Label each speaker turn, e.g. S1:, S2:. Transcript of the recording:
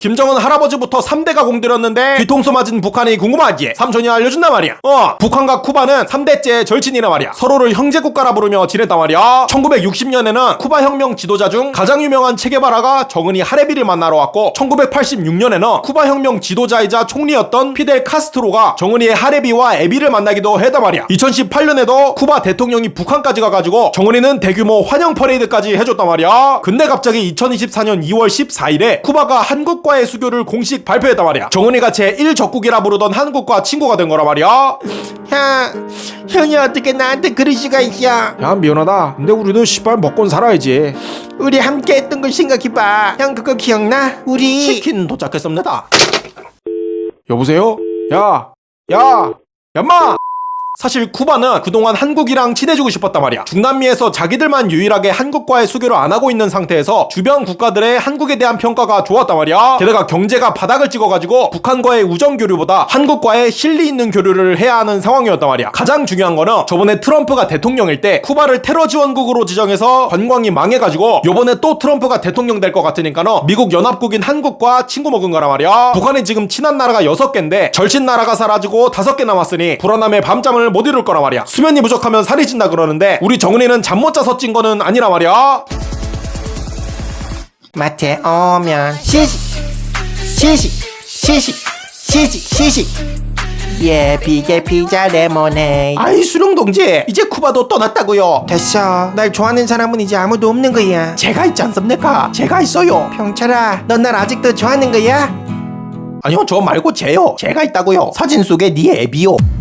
S1: 김정은 할아버지부터 3대가 공들였는데 뒤통수 맞은 북한이 궁금하지? 삼촌이 알려준단 말이야. 북한과 쿠바는 3대째 절친이란 말이야. 서로를 형제국가라 부르며 지냈단 말이야. 1960년에는 쿠바 혁명 지도자 중 가장 유명한 체게바라가 정은이 하레비를 만나러 왔고, 1986년에는 쿠바 혁명 지도자이자 총리였던 피델 카스트로가 정은이의 하레비와 에비를 만나기도 했단 말이야. 2018년에도 쿠바 대통령이 북한까지 가가지고 정은이는 대규모 환영 퍼레이드까지 해줬단 말이야. 근데 갑자기 2024년 2월 14일에 쿠바가 한국과의 수교를 공식 발표했단 말이야. 정은이가 제1적국이라 부르던 한국과 친구가 된 거란 말이야.
S2: 형이 어떻게 나한테 그럴 수가 있어?
S1: 야, 미안하다. 근데 우리도 씨발 먹곤 살아야지.
S2: 우리 함께 했던 걸 생각해봐. 형 그거 기억나? 우리
S1: 치킨 도착했습니다. 여보세요? 얌마! 사실 쿠바는 그동안 한국이랑 친해지고 싶었단 말이야. 중남미에서 자기들만 유일하게 한국과의 수교를 안 하고 있는 상태에서 주변 국가들의 한국에 대한 평가가 좋았단 말이야. 게다가 경제가 바닥을 찍어가지고 북한과의 우정 교류보다 한국과의 실리 있는 교류를 해야 하는 상황이었단 말이야. 가장 중요한 거는 저번에 트럼프가 대통령일 때 쿠바를 테러 지원국으로 지정해서 관광이 망해가지고 요번에 또 트럼프가 대통령 될 것 같으니까는 미국 연합국인 한국과 친구 먹은 거란 말이야. 북한이 지금 친한 나라가 6개인데 절친 나라가 사라지고 5개 남았으니 불안함에 밤잠을 못 이룰 거란 말이야. 수면이 부족하면 살이 찐다 그러는데 우리 정은이는 잠 못 자서 찐 거는 아니란 말이야.
S2: 마트에 오면 시식 예비게 피자 레모네이드.
S1: 아이 수룡 동지, 이제 쿠바도 떠났다고요.
S2: 됐어. 날 좋아하는 사람은 이제 아무도 없는 거야.
S1: 제가 있지 않습니까? 제가 있어요.
S2: 병철아, 넌 날 아직도 좋아하는 거야?
S1: 아니요, 저 말고 쟤요. 제가 있다고요. 사진 속에 네 애비요.